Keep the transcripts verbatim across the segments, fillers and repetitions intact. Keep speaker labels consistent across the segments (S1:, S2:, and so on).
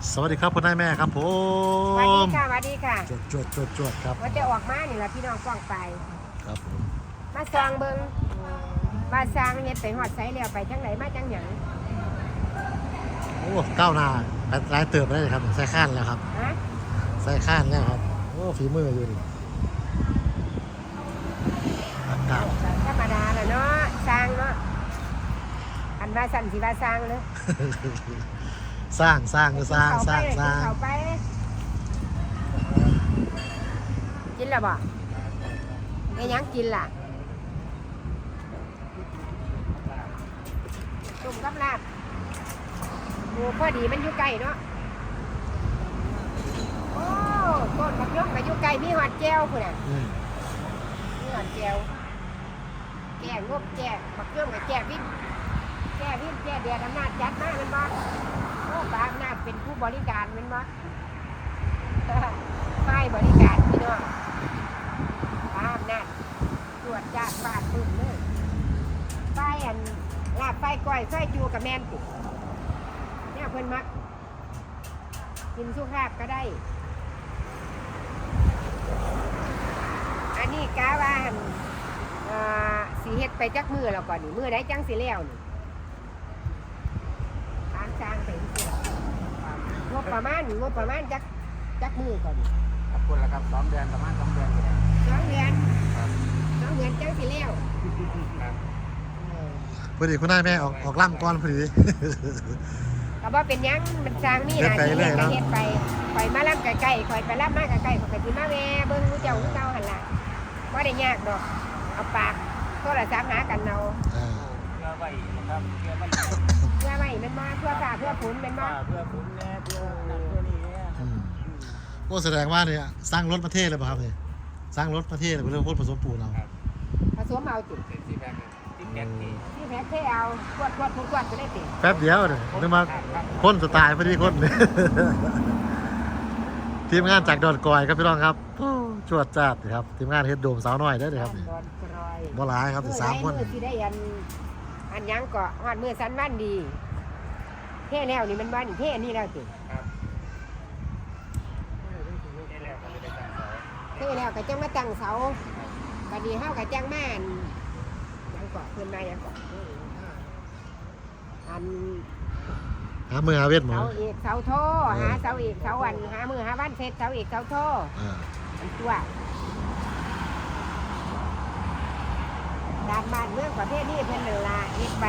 S1: สวัสดีครับคุณนายแม่ครับผ
S2: สวัสดี
S1: ม
S2: ค่ะสวัสดีค่ะ
S1: จวดจวดจวดจวดครับ
S2: ว่าจะออกมานี่แหละพี่น้องฟ้องไป
S1: ครับผม
S2: มาซองเบิงว่าสร้างเฮ็ดไปหอดไสแล้วไปจังไหนมาจังหยัง
S1: โอ้ก้าวหน้าหลายเติบได้เลยครับใส่ข้านแล้วครับ
S2: ฮะ
S1: ใส่ข้านแล้วครับโอ้ฝีมืออยู่นี่อากาศ
S2: ธรรมดาแหละเนาะสร้างเนาะอันว่าสั่นสิว่าสร้างเลย
S1: สร้างสร้างก็สร้างสร้างสร้าง
S2: เข้าไปกินแล้วบ่ไอ้ยังกินล่ะตุ่มกับลาบโอ้พอดีมันอยู่ใกล้เนาะโอ้ต้นมะยมก็อยู่ใกล้มีหอดแก้วพุ่นน่ะ
S1: อืม
S2: มีหอดแก้วแก้งบแก้มะยมกับแก้วิ่งแก้วิ่งแก้เดียดอำนาจจัดมาเป็นบ่โอ้บาอำนาจเป็นผู้บริการเป็นบ่ฝ่ายบริการพี่น้องบาอำนาจตรวจจัดบาดบึ้มเลยฝ่ายอันลาบฝ่ายก้อยฝ่ายจูกับแม่นติเนี่ยเพิ่นมักกินสุภาพก็ได้อันนี้กะว่าหั่นเอ่อสีเฮ็ดไปจักมือแล้วก่อนนี่มือได้จังสิแล้วนี่ทางสร้างไปสิงบประมาณงบประมาณจักจักมือก่อนนี่
S3: ครับคุณละครับสองเดือนประมาณสองเดือนอยู่แล้ว
S2: สองเดือน
S3: ครับ
S2: สองเดือนจังสิแล้ว
S3: ครับ
S2: เออ
S1: พอดีคุณนายแม่ออกออกล่ำก่อนพอดี
S2: ก็บ่เป็นหยังมันสร้างมีหน้าที่
S1: เฮ็
S2: เฮ็
S1: ด
S2: ด
S1: ไปเรื่อยเนาะ
S2: ก็เฮ็ดไปข่อยมาล่ำใกล้ๆข่อยไปล่ำมาใกล้ๆข่อยก็สิมาแวะเบิ่งผู้เจ้าผู้เก่าหั่นล่ะบ่ได้ยากดอกเอาปากโทรศัพท์หากันเอา
S1: อ่า
S3: เพื่อไว้นะครับเพื่อไว้
S2: เพื่อไว้มันมาเพื่อฟ้าเพื่อฝนมันมา
S3: เพื่อคุณแน่เพื่อนั่นเพื่อนี่เนี่ย
S1: อืมโอ้แสดงว่าเนี่ยสร้างรถประเทศเลยป่ะครับเนี่ยสร้างรถประเทศเลยเป็นเรื่องพูดผสมปูนเรา
S2: ผสมเอาจิ
S3: เป็นสีแดงที่แก๊สที่
S2: ที่แพ็คเทเอากวดกวดกวดกวดจะได้ติ
S1: แป๊บเดียวเนี่ยนึกมาคนสไตล์พอดีคน ทีมงานจากดอนกอยครับพี่น้องครับโอ้จวดจัดครับทีมงานเฮ็ดโดมสาวน้อยได้อเลยครับนี่
S2: ดอนกรอย
S1: บ่หลายครับสิสามคน
S2: มือที่ได้อันอันยังเกาะฮอดมือสันบ้านดีเท่แล้วนี่มันบ้านเท่นี่แล้วติ
S3: ครับนี่แหละก็ไม่ได้ตั้งเสา
S2: เท่แล้วก็จังมาตั้งเสาบัดนี้เฮาก็จังมาอันยังเกาะเพิ่นมายังเกาะอัน
S1: หามือหาเวทหมอ
S2: เสาเอกเสาโทหาเสาเอกเสาวันหามือหาวันเสร็จเสาเอกเสาโท
S1: อ่า
S2: อันตัวดานบ้านเมืองประเทศนี้เพิ่นนั่นล่ะเฮ็ดไป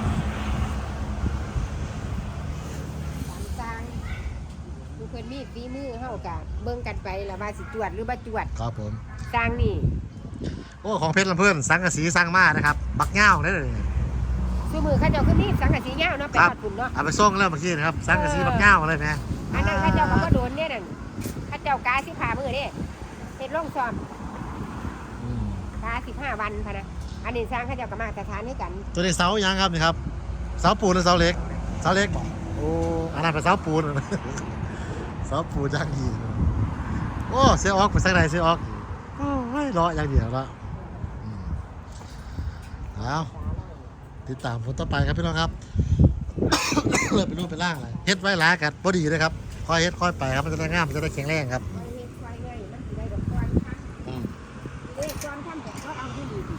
S2: ตามสร้างผู้เพิ่นมีฝีมือเฮากะเบิ่งกันไปแล้วว่าสิจวดหรือบ่จวด
S1: ครับผม
S2: สร้างนี่
S1: โอ้ของเพชรลำเพื่อนสังกะสีสร้างมานะครับบักเง่าได้เลย
S2: ซุมือเขาเจ้าคือมีสังกะสียาวเนาะไป
S1: ครับ
S2: ฮอดปุ่นเนาะ
S1: เอาไปส่งแล้วเมื่อกี้นะครับสังกะสีบักเง่าเลยแม่
S2: อันนั้นเขาเจ้าก็บ่โดนเนี่ยนั่นเขาเจ้ากาสิบห้ามื้อเด้เฮ็ดลงซ้อม
S1: อืม
S2: กาสิบห้าวันพะนะอันนี้สร้างเขาเจ้าก็มาตรฐานให้กัน
S1: ตัวนี้เสายังครับนี่ครับเสาปูนหรือเสาเหล็กเสาเหล็กบอกโอ้อันนั้นเป็นเสาปูน เสาปูนย่างยีโอ้เสียออกไปสักไหนเสียออกโอ้ยรออย่างเดียวละอืมเอาติดตามผลต่อไปครับพี่น้องครับ เริ่มเป็นรูปเป็นร่างเลยเฮ็ดไว้หลายกันพอดีเลยครับค่อยเฮ็ดค่อยไปครับมันจะได้งามมันจะได้แข็งแรงครับ
S2: ไว้เฮ็ดไว้ไว้มันสิได้ดอกก้อนค่ะ
S1: อืม
S2: เอ้ยก้อนท่านก็เขาเอาที่ดีดี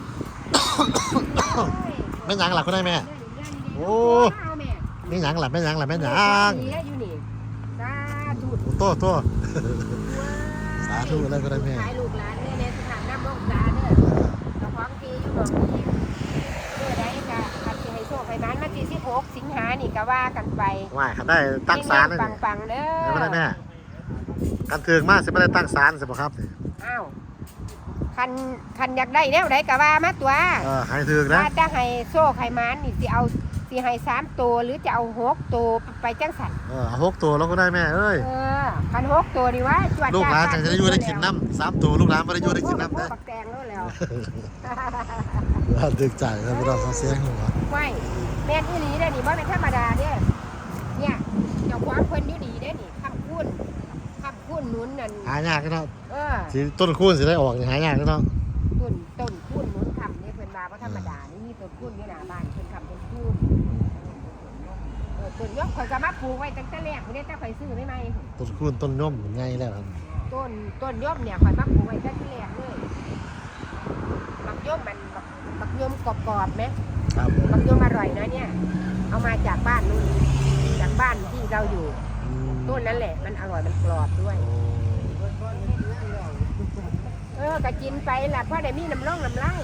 S1: แม่หยังหลักก็ได้แม่ โอ้
S2: เอาแม่
S1: แม่หยังหลักแม่หยังหลักแม่หยัง
S2: นี่แล้วอยู่นี่สาธุ
S1: โอ้โตโต สาธุแล้วก็ได้แม่
S2: ขายลูกหลานเนี่ยในสถานน้ำมงตาเด้อเจ้าของที่อยู่หนองนี้เมื่อใดก็คันสิให้โชคให้หมานมาที่สิบหกสิงหานี่ก็ว่ากันไป
S1: ว่าครับได้ตั้งศาลเลย
S2: ปังปังๆเด้อ
S1: แล้วก็ได้แม่กันเถืองมากสิไม่ได้ตั้งศาลสิบ่ครับนี่
S2: อ้าวคันคันอยากได้แนวใดก็ว่ามาตัว
S1: เออให้เถืองนะ
S2: ว่าจะให้โชคให้หมานนี่สิเอาสิให้สามตัวหรือจะเอาหกตัวไปจังสัน
S1: เออเอาหกตัวแล้วก็ได้แม่เอ้ย
S2: เออคันหกตัวนี่วะจวด
S1: ลูกหลาน
S2: จ้
S1: จังจะได้อยู่ได้กินน้ำสามตัวลูกหลานไม่ได้อยู่ได้กินน้ำ
S2: โอ้
S1: นะ
S2: โหปักแตงแล้วแล้ว
S1: ว่าดึกใจครับเราเขาเสียงหัว
S2: ไว้แม่นอีหลีเด้อนี่บ่เป็นธรรมดาเด้อเนี่ยเจ้าความเพิ่นอยู่ดีเด้อนี่คำพูดคำพูดหนุนนั่น
S1: หายากเนาะ
S2: เออ
S1: สิต้นคูณสิได้ออกนี่หายากเนาะ
S2: ต้นต้นพูดหนุนคำนี่เพิ่นมาบ่ธรรมดานี่มีต้นพูดอยู่หน้าบ้านเพิ่นคำเป็นพูดเออต้นย่อมข่อยก็มาปลูกไว้ตั้งแต่แรกพุ่นเด้แต่ข่อยซื้อไม่ไหม
S1: ต้นกล้วยต้นย่อมไงแล้วครับ
S2: ต้นต้นย่อมเนี่ยข่อยมาปลูกไว้ตั้งแต่แรกเลยบักย่อมมันบักบักย่อมกรอบๆไหม
S1: ครับ
S2: บักย่อมอร่อยนะเนี่ย เอามาจากบ้านนู่นจากบ้านที่เราอยู่
S1: อืม
S2: ต้นนั้นแหละมันอร่อยมันกรอบด้วย
S1: โอ้
S2: เออก็กินไปล่ะเพราะได้มีน้ำร่องน้ำลาย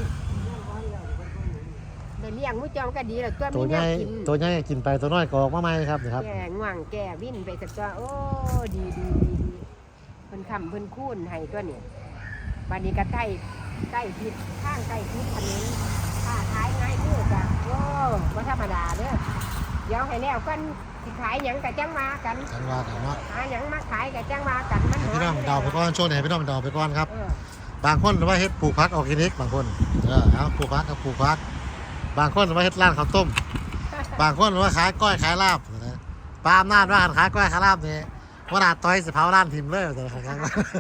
S2: ได้เลี้ยงมุ้จอมก็ดีแล้วตัว
S1: ตั
S2: มี
S1: วให
S2: แน
S1: ญ่
S2: วกิน
S1: ตัวใหญ่กินไปตัวน้อยก็ออกมาใหม่ครับนี่ครับ
S2: แก่ง่วงแก่วิ่นไปสักตัวโอ้ดีดีดีดีเพิ่นคำเพิ่นคูนให้ตัวเนี่ยวันนี้ก็ใกล้ใกล้ทิศข้างใกล้ทิศถนนค้าขายง่ายเด้อจ้ะโอ้บ่ธรรมดาเด้อเดี๋ยวให้แล้วกันสิขายหยังก็จังว่ากัน
S1: จังว่ากันเนาะ
S2: หาหยังมาขายก็จังว่ากันมัน
S1: ให้พี่น้องเดาไปก่อนช่วงไหนพี่น้องเดาไปก่อนครับ
S2: เออบ
S1: างคนว่าเฮ็ดปลูกพักออร์แกนิกบางคนเออเอาปลูกพักกับปลูกพัก บางคนว่าเฮ็ดร้านข้าวต้ม บางคนว่าขายก้อยขายลาบนะปาล์มนาดว่าขายก้อยขายลาบนี่ว่านาต้อยสิเผาร้านทิมเลยแต่ละครั้ง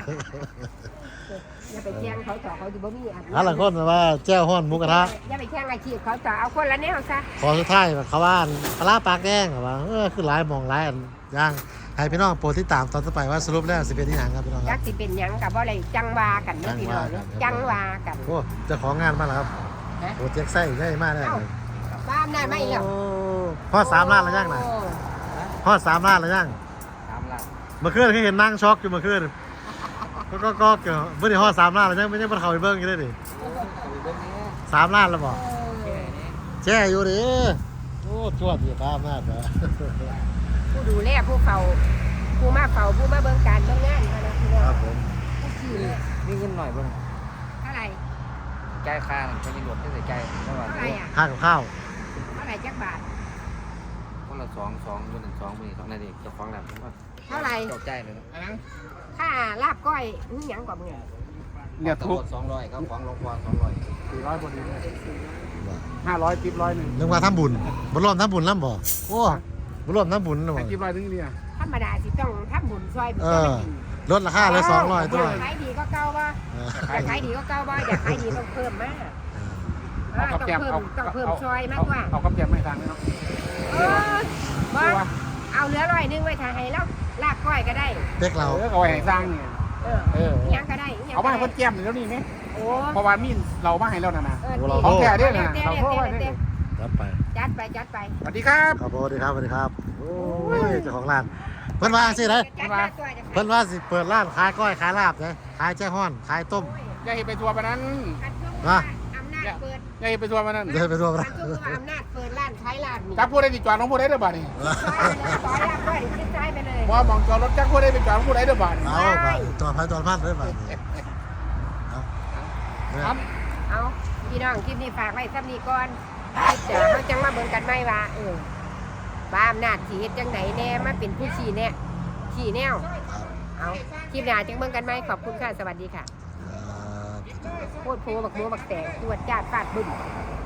S2: อย่าไปแข่งเขาต่อเขาสิบ่มีอัน
S1: หาหลังคนว่าแจ้วฮ้อนหมูกระทะ
S2: อย่าไปแข่งอาชีพเขาต่อเอาคนละแนวซะ
S1: ขอสุดท้ายเขาว่าปลาร้าปากแดงเขาว่าเออคือหลายหมองหลายอันย่างให้พี่น้องโปรดติดตามตอนต่อไปว่าสรุปแล้วสิเป็นที่หยังครับพี่น้องค
S2: จั
S1: รับ
S2: กสิเป็นหยังกับว่าอะไรจังว่ากันเนาะพี่น้องเนาะจังว่ากัน
S1: โอ้เจ้าของงานมาแล้วครับ
S2: ฮะ
S1: โปรเจกต์ไส้ใหญ่มากเลย
S2: เอ้าบ้านได้ไหมอีกแล้ว
S1: โอ้พ่อสามล้านแล้วยังน่ะ
S2: โอ้
S1: พ่อสามล้านแล้วยัง
S3: ตามหลัก
S1: เมื่อคืนเขาเห็นนั่งช็อกอยู่เมื่อคืนก็ก็ก็เกี่ยวเมื่อนี้พ่อสามล้านแล้วยังไม่ได้มาเข้าไปเบิ้งอยู่เลยดิ
S3: เรื่องนี้
S1: สามล้านแล้วบอก
S3: แค่นี้
S1: แช่อยู่ดิโอ้จวดอยู่ตามหน้าเด้อ
S2: ผู้ดูแลผู้เฝ้าผู้มาเฝ้าผู้มาเบิ่งการเบิ่งงานเขานะพี่น้อ
S1: ครั
S2: ง
S1: บผม
S2: ผู้ขี่
S3: นี่เงินหน่อยบ้าง
S2: เท่าไหร่
S3: ใจายค่าจะมีหลวดที่ใส่ใจเท่าไหร่
S2: เท่าไหร่อ่ะ
S1: ค่ากับข้าว
S2: เท่าไหร่จักบาท
S3: คนละสองสองคนหนึ่งสองคนนี้สองนาทีจะฟ้องแล้วผมว่า
S2: เท่าไหร่
S3: จบใจเลยนะ
S2: ค่าลาบก้อยนี่หยังกว่ามึง
S3: เนี่ยทุกสองร้อยเขาฟ้องลงกว่าสองร้อยสี่ร้อยพอดีเลยห้าร้อยติ๊บร้อยหนึ่ง
S1: นึกว่าทำบุญบ่รวมทำบุญน้ำบ่โอ้บ่รวมทำบุญนะบ่
S3: ติ๊บร้อยถึงนี่
S2: ธรรมดาสิต้องทำบุญซอยบุญ
S1: เอ
S2: ซอย
S1: อ
S2: กิน
S1: ลดราคาเลยสองร้อยตัว
S2: อยากขายดีก็เก่าบ่
S1: เออ
S2: อยากขายดีก็เก่าบ่อยากขายดีต้องเพิ่มมากอ่าต้องเพิ่มต้องเพิ่มซอยมากกว่า
S3: เอากับแกมไม่ทางเลยเนาะ
S2: เออบ่เอาเหลือร้อยหนึงไว้ถ้าให้แล้วลาบก้อยก็ได้
S1: เด็กเรา
S3: เออเอาไว้ให้สร้างเนี่ย
S2: เออ
S3: เออ
S2: อิหยังก็ได้อิหยัง
S3: เอา
S2: ก็
S3: มา
S2: ได้
S3: ให้คนแก้มแล้วนี่ไหม
S2: โอ้
S3: เพราะว่ามีเรามาให้แล้วนะนะ
S2: เออ
S3: ของแท้เด้อนะ
S2: เต้
S3: เรา
S2: เต้
S3: โทรไว้
S2: เต้
S3: เด้
S2: เต้
S3: อ
S1: จัดไป
S2: จัดไปจัดไป
S3: สวัสดีครับ
S1: ครับสวัสดีครับสวัสดีครับโอ้ยเจ้าของร้านเพิ่นว่าสิได้
S2: จัดมาตัวจะ
S1: เพิ่นว่าสิเปิดร้านขายก้อยขายลาบนะขายแจ้ฮ้อนขายต้ม
S3: อย่าให้ไปทัวร์ปนั้น
S2: คันช่วง
S1: นะ
S2: ว่าอำนาจเปิด
S3: อย่าให้ไปทัวร์ปนั้น
S1: เดินไปรวม
S2: คั
S1: ร้าน น
S2: ช่วงว่าอำนาจเปิดร้านขายลาบนี่
S3: จักพูดได้ติดจอดของพูดได้เด้อบ่านี่
S2: ซอยลาบก้อยคิดซ้ายไปเลย
S3: ว่ามองจอดรถจักพูดได้เป็นจอดของพูดได้เด้อบ่านี่
S1: เอาไปตัวพันตัวพันเลยไปเอาเนี่ย
S3: ครับ
S2: เอาพี่น้องคลิปนี้ฝากไว้ซ้ำนี้ก่อนเดี๋ยวเขาจังมาเบิ่งกันไหมว่าเออบ้าอำนาจสีเฮ็ดจังไหนแน่มาเป็นผู้ชี้แน่ชี้แนว เอาคลิปหน้าจังเบิ่งกันไหมขอบคุณค่ะ สวัสดีค่ะ
S1: ครับ
S2: โคตรโพบักโมบักแตกตรวจจาดฟาดบึ้ม
S1: ค